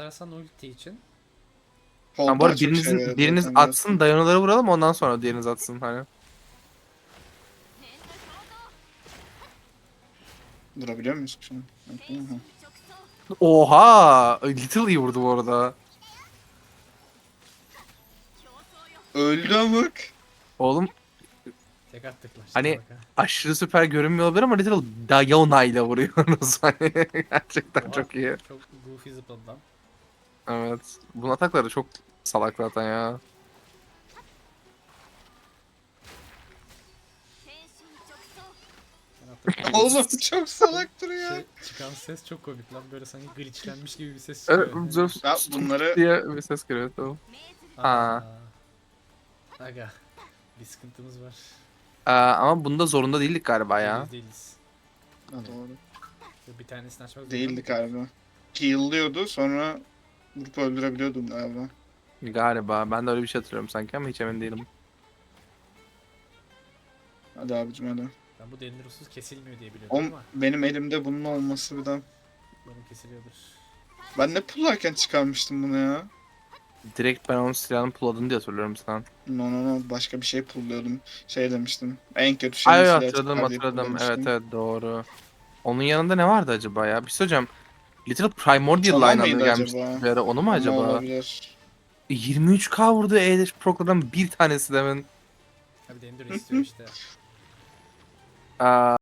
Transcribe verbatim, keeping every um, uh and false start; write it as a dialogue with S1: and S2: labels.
S1: atarsan ulti için.
S2: Hold
S3: Ama bu
S2: daha
S3: arada
S2: çok şey
S3: birinizin,
S2: veriyor
S3: biriniz
S2: zaten
S3: atsın,
S2: zaten.
S3: dayanoları vuralım, ondan sonra diğeriniz atsın hani.
S2: Durabiliyor muyuz ki şunu? Yok, değil mi? Ha.
S3: Oha! Little iyi vurdu bu arada.
S2: Öldü amık.
S3: Oğlum
S1: Tek attıklar.
S3: hani
S1: Salaka.
S3: aşırı süper görünmüyor olabilir ama Little Diana ile vuruyoruz hani. Gerçekten
S1: Oha.
S3: çok iyi.
S1: Çok goofy zıpladı lan.
S3: Evet. Bunun atakları çok salak zaten ya.
S1: Ben attım.
S2: Oğlum çok salak duruyor.
S1: Şey, çıkan ses çok komik lan. Böyle sanki glitchlenmiş gibi bir ses
S3: Evet,
S1: çıkıyor.
S3: Zeus
S2: Ya
S3: stunk
S2: bunları
S3: diye bir ses geliyor tamam.
S1: Aa.
S3: Ha.
S1: Aga. Bir sıkıntımız var.
S3: Aa, ama bunda zorunda değildik galiba ya.
S1: Değiliz değiliz.
S2: ha, doğru.
S1: Bir tanesini açmak zorunda
S2: Değildi
S1: mıydık?
S2: galiba. Heal'lıyordu sonra vurup öldürebiliyordum galiba.
S3: Galiba. Ben de öyle bir şey hatırlıyorum sanki ama hiç emin değilim.
S2: Hadi abicim hadi.
S1: Ben bu Dendiros'uz kesilmiyor diye biliyordum
S2: Om,
S1: ama
S2: benim elimde bunun olması bir de.
S1: benim kesiliyordur.
S2: Ben ne pullarken çıkarmıştım bunu ya?
S3: Direkt ben onun silahını pulladın diye hatırlıyorum sen.
S2: No no no başka bir şey pulluyordum. Şey demiştim. En kötü
S3: Ay
S2: şeyin
S3: ay,
S2: silahı
S3: hatırladım
S2: çıkar diye
S3: hatırladım. Evet
S2: pullamıştım.
S3: evet doğru. Onun yanında ne vardı acaba ya? Bir şey söyleyeceğim. Little Primordial
S2: Toma
S3: aynı anda
S2: mıydı
S3: gelmişti
S2: acaba?
S3: bir ara. Onu mu
S2: Ama
S3: acaba?
S2: olabilir.
S3: E, yirmi üç K vurdu E-Dash Pro'dan bir tanesi demin.
S1: Abi Dendiro istiyor işte.
S3: Aa,